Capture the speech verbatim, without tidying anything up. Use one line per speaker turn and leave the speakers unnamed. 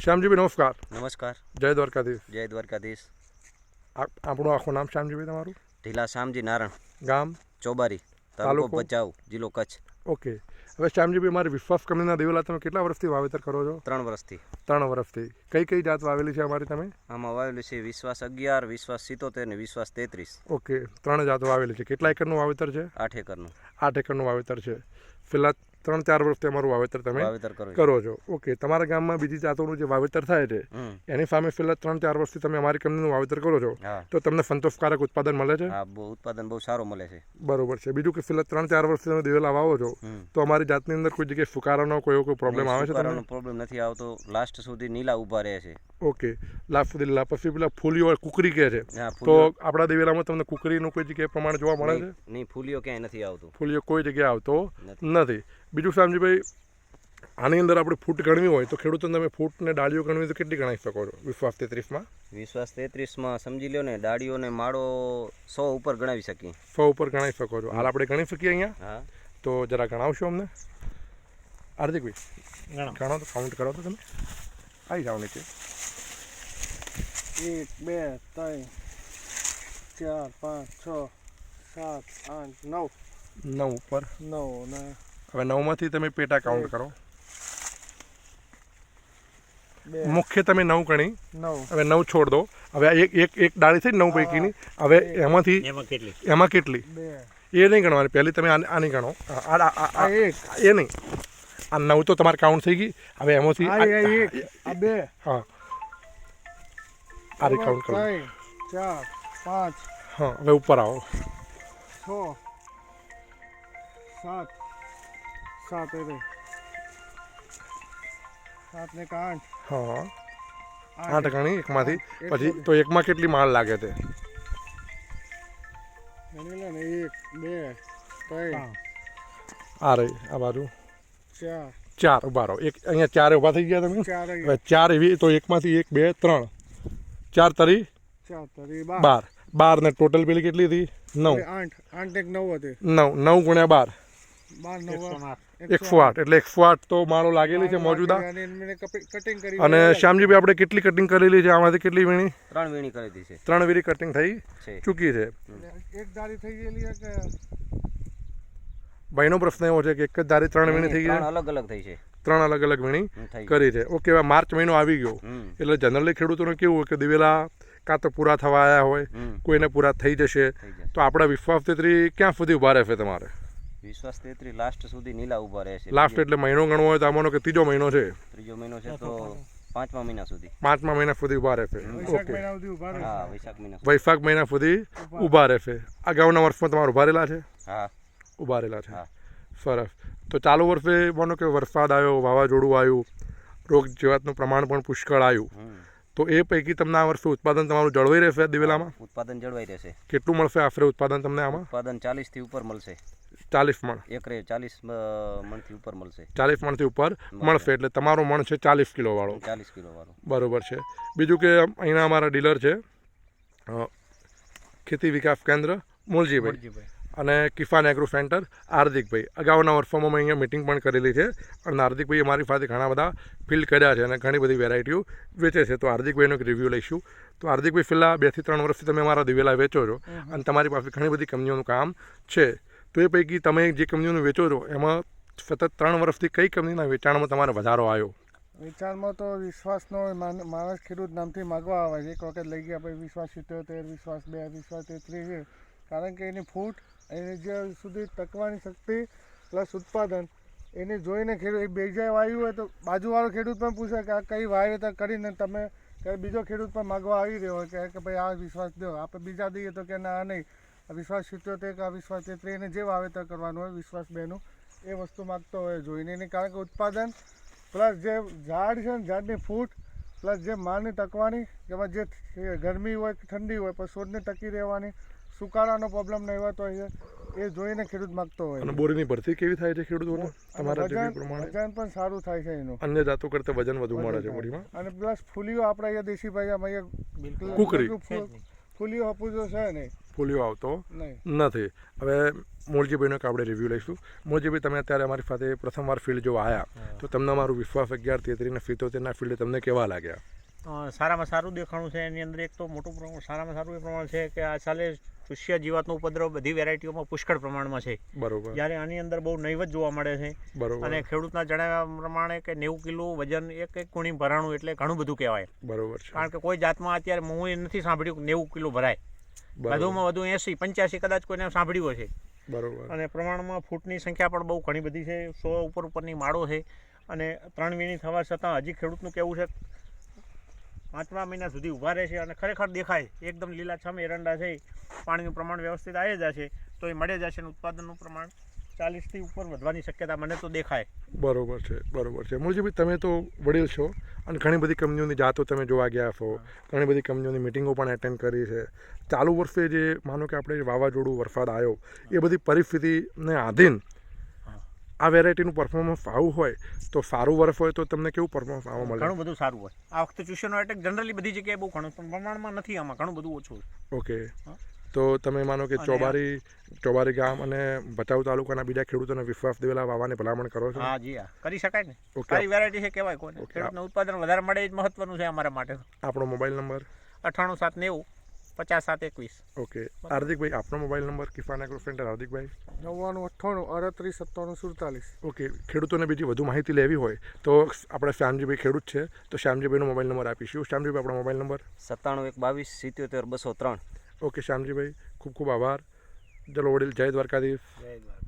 શ્યામજીભાઈ નમસ્કાર.
નમસ્કાર.
જય દ્વારકાધીશ.
જય દ્વારકાધીશ.
આપણું આખું નામ શ્યામજીભાઈ તમારું?
ઢીલા શ્યામજી નારણ,
ગામ
ચોબારી, તાલુકો ભચાઉ, જિલ્લો કચ્છ.
ઓકે. હવે શ્યામજીભાઈ, મારી વિશ્વાસ કંપનીના દિવેલા તમે કેટલા વર્ષથી વાવેતર કરો છો?
ત્રણ વર્ષથી.
ત્રણ વર્ષથી. કઈ કઈ જાત વાવેલી છે અમારી તમે?
આમાં વાવેલી છે વિશ્વાસ અગિયાર, વિશ્વાસ સિત્તોતેર ને વિશ્વાસ તેત્રીસ.
ઓકે, ત્રણ જાત વાવેલી છે. કેટલા એકરનું વાવેતર છે?
આઠ એકરનું.
આઠ એકરનું વાવેતર છે. પેલા ત્રણ ચાર વર્ષથી અમારું વાવેતર તમે
વાવેતર
કરો છો. ઓકે. તમારા ગામમાં બીજી જાતોનું જે વાવેતર થાય છે એની સામે છેલ્લા ત્રણ ચાર વર્ષથી તમે અમારી કંપનીનું વાવેતર કરો છો, તો તમને સંતોષકારક ઉત્પાદન મળે છે?
હા, બહુ ઉત્પાદન બહુ સારું મળે છે.
બરોબર છે. બીજું કે છેલ્લા ત્રણ ચાર વર્ષથી તમે દિવેલા વાવો છો તો અમારી જાતની અંદર કોઈ જગ્યાએ ફુકારાનો કોઈ કોઈ પ્રોબ્લેમ આવે છે? તમને
પ્રોબ્લેમ નથી આવતો. લાસ્ટ સુધી નીલા ઊભા રહે છે.
ઓકે. લાસ્ટ સુધી લીલા. પછી પેલા ફૂલીઓ કુકરી કહે છે, તો આપણા દિવેલામાં તમને કુકરીનું કોઈ જગ્યાએ પ્રમાણ જોવા મળે છે?
નહીં, ફૂલીઓ ક્યાંય નથી આવતું.
ફૂલીઓ કોઈ જગ્યાએ આવતો નથી. બીજું શ્યામજીભાઈ, આની અંદર આપણે ફૂટ ગણવી હોય તો ખેડૂતોને તમે ફૂટ ને ડાળીઓ ગણવી તો કેટલી ગણાવી શકો છો વિશ્વાસ તેત્રીસમાં?
વિશ્વાસ તેત્રીસમાં સમજી લો ને, ડાળીઓ ને માળો સો ઉપર ગણાવી શકીએ.
સો ઉપર ગણાવી શકો છો. હાલ આપણે ગણી શકીએ અહીંયા?
હા.
તો જરા ગણાવશો અમને? હાર્દિકભાઈ ગણો તો, કાઉન્ટ કરો તો તમે. આવી જાઓ નીચે.
એક બે ત્રણ ચાર પાંચ છ સાત આઠ નવ.
નવ ઉપર.
નવ ને
હવે નવમાંથી તમે પેટા કાઉન્ટ કરો. મુખ્ય તમે નવ ગણી.
નવ.
હવે નવ છોડ દો. હવે એક એક એક ડાળી થઈ નવ પૈકીની. હવે એમાંથી એમાં કેટલી એ નહીં ગણવાની. પહેલી તમે આની ગણો.
એક
એ નહીં, આ નવ તો તમારે કાઉન્ટ થઈ ગઈ. હવે એમાંથી
બે.
હા, આ રી કાઉન્ટ કરો.
ચાર પાંચ.
હા, હવે ઉપર આવો.
છ સાત. સાત એ સાત ને આઠ.
હા, આઠ ગણી એકમાંથી. પછી તો એકમાં કેટલી માળ લાગે છે?
એક બે ત્રણ.
આ રહી આ બાજુ
ચાર.
ચાર ઉભા રહો. એક અહીંયા ચાર ઉભા થઈ ગયા તમે. હવે ચાર એવી તો એકમાંથી એક બે ત્રણ ચાર તરી
ચાર તરી
બાર. બાર ને ટોટલ પેલી કેટલી હતી? નવ.
આઠ. આઠ એક નવ હતી.
નવ. નવ ગુણ્યા બાર
બાર નવ
એકસો આઠ. એટલે એકસો આઠ તો માળો લાગેલી છે મોજુદા.
કટિંગ કરી.
અને શ્યામજીભાઈ, આપણે કેટલી કટિંગ કરેલી છે આમાંથી? કેટલી વીણી?
ત્રણ વીણી કરેલી છે.
ત્રણ વીણી કટિંગ થઈ ચૂકી છે.
એક દારી થઈ ગયેલી છે કે
ભાઈનો પ્રશ્ન એવો છે કે એક જ દારી ત્રણ વીણી થઈ ગઈ?
અલગ અલગ થઈ છે.
ત્રણ અલગ અલગ વીણી કરી છે. ઓકે. હવે માર્ચ મહિનો આવી ગયો એટલે જનરલી ખેડૂતોને કેવું હોય કે દિવેલા કાં તો પૂરા થવા આવ્યા હોય, કોઈને પૂરા થઈ જશે, તો આપણા વિશ્વાસ તેત્રી ક્યાં સુધી ઉભા રહેશે તમારે?
વિશ્વાસ તેત્રી લાસ્ટ સુધી નીલા ઉભા રહે છે.
લાસ્ટ એટલે મહિનો ગણવો હોય તો આમાંનો કે ત્રીજો મહિનો છે?
ત્રીજો મહિનો છે તો પાંચમા મહિના સુધી.
પાંચમા મહિના સુધી ઉભા રહેશે. ઓકે.
હા, વૈશાખ મહિના.
વૈશાખ મહિના સુધી ઉભા રહેશે. અગાઉના વર્ષમાં તમારે ઉભા રહેલા છે?
હા,
ઉભા રહેલા છે. સરસ. તો ચાલુ વર્ષે માનો કે વરસાદ આવ્યો, વાવાઝોડું આવ્યું, રોગ જીવાતનું પ્રમાણ પણ પુષ્કળ આવ્યું, તો એ પૈકી તમને આ વર્ષે ઉત્પાદન તમારું જળવાઈ રહેશે દિવેલામાં?
ઉત્પાદન જળવાઈ રહેશે.
કેટલું મળશે આશરે ઉત્પાદન તમને આમાં?
ઉત્પાદન ચાલીસ થી ઉપર મળશે.
ચાલીસ મણ એકરે?
ચાલીસ મણ થી ઉપર મળશે.
ચાલીસ મણ થી ઉપર મળશે. એટલે તમારો મણ છે ચાલીસ કિલો વાળો.
ચાલીસ કિલો વાળો.
બરોબર છે. બીજું કે અહીંના અમારા ડીલર છે ખેતી વિકાસ કેન્દ્ર મૂળજીભાઈ અને કિસાન એગ્રો સેન્ટર હાર્દિકભાઈ. અગાઉના વર્ષોમાં મેં અહીંયા મિટિંગ પણ કરેલી છે અને હાર્દિકભાઈ અમારી પાસે ઘણા બધા ફિલ્ડ કર્યા છે અને ઘણી બધી વેરાયટીઓ વેચે છે. તો હાર્દિકભાઈનો એક રિવ્યૂ લઈશું. તો હાર્દિકભાઈ, છેલ્લા બે થી ત્રણ વર્ષથી તમે અમારા દિવેલા વેચો છો અને તમારી પાસે ઘણી બધી કંપનીઓનું કામ છે. તો એ પૈકી તમે જે કંપનીઓનું વેચો છો એમાં સતત ત્રણ વર્ષથી કઈ કંપનીના વેચાણમાં તમારે વધારો આવ્યો?
વેચાણમાં તો વિશ્વાસનો માણસ ખેડૂત નામથી માગવા આવે છે. એક વખત લઈ ગયા પછી વિશ્વાસ સિત્તોતેર, વિશ્વાસ બે, વિશ્વાસ તેત્રીસ છે. કારણ કે એની ફૂટ, એની જે સુધી ટકવાની શક્તિ પ્લસ ઉત્પાદન એને જોઈને ખેડૂત બીજા વાવ્યું હોય તો બાજુવાળો ખેડૂત પણ પૂછે કે આ કઈ વાવેતર કરીને તમે બીજો ખેડૂત પણ માગવા આવી રહ્યો હોય કે ભાઈ આ વિશ્વાસ દો. આપણે બીજા દઈએ તો કે ના આ નહીં, આ વિશ્વાસ સિત્તોતેર કે આ વિશ્વાસ તેત્રીસ એને જે વાવેતર કરવાનું હોય વિશ્વાસ બેનું એ વસ્તુ માગતો હોય જોઈને. એની કારણ કે ઉત્પાદન પ્લસ જે ઝાડ છે ને ઝાડની ફૂટ પ્લસ જે માળની ટકવાની, જેમાં જે ગરમી હોય કે ઠંડી હોય પણ છોડને ટકી રહેવાની, સુકારાનો પ્રોબ્લેમ નહીં હોતો હોય છે એ જોઈને ખેડૂત માગતો હોય.
અને બોરીની ભરતી કેવી થાય છે ખેડૂતોને તમારા જેવી પ્રમાણે?
વજન પણ સારું થાય છે એનું.
અન્ય જાતો કરતાં વજન વધુ મળે છે બોરીમાં.
અને પ્લસ ફૂલીઓ આપણે અહીંયા દેશી ભાષામાં અહીંયા
કુકરી
ફૂલીઓ હપુજો છે ને
ફોલિયો આવતો
નહીં.
નથી. હવે મોલજીભાઈનો એક આપણે રિવ્યૂ લઈશું. મોલજીભાઈ, તમે અત્યારે અમારી સાથે પ્રથમવાર ફિલ્ડ જો આવ્યા તો તમને અમારું વિશ્વાસ અગિયાર તેત્રીસ ને સિત્તોતેરના ફિલ્ડ તમને કેવા લાગ્યા?
અ, સારામાં સારું દેખાણું છે. એની અંદર એક તો મોટું પ્રમાણ સારામાં સારું એ પ્રમાણ છે કે આ સાલે ચૂસ્યા જીવાતનો ઉપદ્રવ બધી વેરાયટીઓમાં પુષ્કળ પ્રમાણમાં છે,
બરોબર
જ્યારે આની અંદર બહુ નહીવત જોવા મળે છે.
બરોબર
અને ખેડૂતના જણાવ્યા પ્રમાણે કે નેવું કિલો વજન એક એક ગુણી ભરાણું એટલે ઘણું બધું કહેવાય.
બરોબર છે.
કારણ કે કોઈ જાતમાં અત્યારે હું એ નથી સાંભળ્યું કે નેવું કિલો ભરાય.
બરોબર
વધુમાં વધુ એંસી પંચ્યાસી કદાચ કોઈને સાંભળ્યું હશે.
બરોબર
અને પ્રમાણમાં ફૂટની સંખ્યા પણ બહુ ઘણી બધી છે. સો ઉપર ઉપરની માળો છે. અને ત્રણ વીણી થવા છતાં હજી ખેડૂતનું કહેવું છે પાંચમા મહિના સુધી ઊભા રહે છે અને ખરેખર દેખાય એકદમ લીલાછમ એરંડા છે. પાણીનું પ્રમાણ વ્યવસ્થિત આવી જશે તો એ મળે જશે અને ઉત્પાદનનું પ્રમાણ ચાલીસથી ઉપર વધવાની શક્યતા મને તો દેખાય.
બરોબર છે. બરોબર છે. મૂળજીભાઈ, તમે તો વડીલ છો અને ઘણી બધી કંપનીઓની જાતો તમે જોવા ગયા છો, ઘણી બધી કંપનીઓની મિટિંગો પણ એટેન્ડ કરી છે. ચાલુ વર્ષે જે માનો કે આપણે વાવાઝોડું વરસાદ આવ્યો એ બધી પરિસ્થિતિને આધીન આ વેરાયટીનું પરફોર્મન્સ આવું હોય તો સારું વર્ષ હોય તો તમને કેવું પરફોર્મન્સ આવવા મળે?
ઘણું બધું સારું હોય. આ વખતે ચૂસ્યાનો એટેક જનરલી બધી જગ્યાએ બહુ ઘણું પણ પ્રમાણમાં નથી, આમાં ઘણું બધું ઓછું છે.
ઓકે, તો તમે માનો કે ચોબારી ચોબારી ગામ અને ભચાઉ તાલુકાના બીજા ખેડૂતોને વિશ્વાસ દેવેલા વાવવાની ભલામણ કરો છો?
હા જી, હા કરી શકાય ને.
ઓકે.
સારી વેરાયટી છે કહેવાય કોને. ખેડૂતને ઉત્પાદન વધારે મળે એ જ મહત્વનું છે અમારા માટે.
આપણો મોબાઈલ નંબર?
અઠ્ઠાણું સાત નેવું પચાસ સાત એકવીસ.
ઓકે. હાર્દિકભાઈ, આપનો mobile number? Kifan agro centre Hardikbhai?
નવ્વાણું અઠ્ઠાણું અડત્રીસ સત્તાણું સુડતાલીસ.
ઓકે. ખેડૂતોને બીજી વધુ માહિતી લેવી હોય તો આપણે શ્યામજીભાઈ ખેડૂત છે તો શ્યામજીભાઈનો મોબાઈલ નંબર આપીશું. શ્યામજીભાઈ, આપણો મોબાઈલ નંબર?
સત્તાણું એક બાવીસ સિત્યોતેર બસો ત્રણ.
ઓકે શ્યામજીભાઈ, ખૂબ ખૂબ આભાર. ચલો વડીલ, જય દ્વારકાધીશ.
જય દ્વારકા.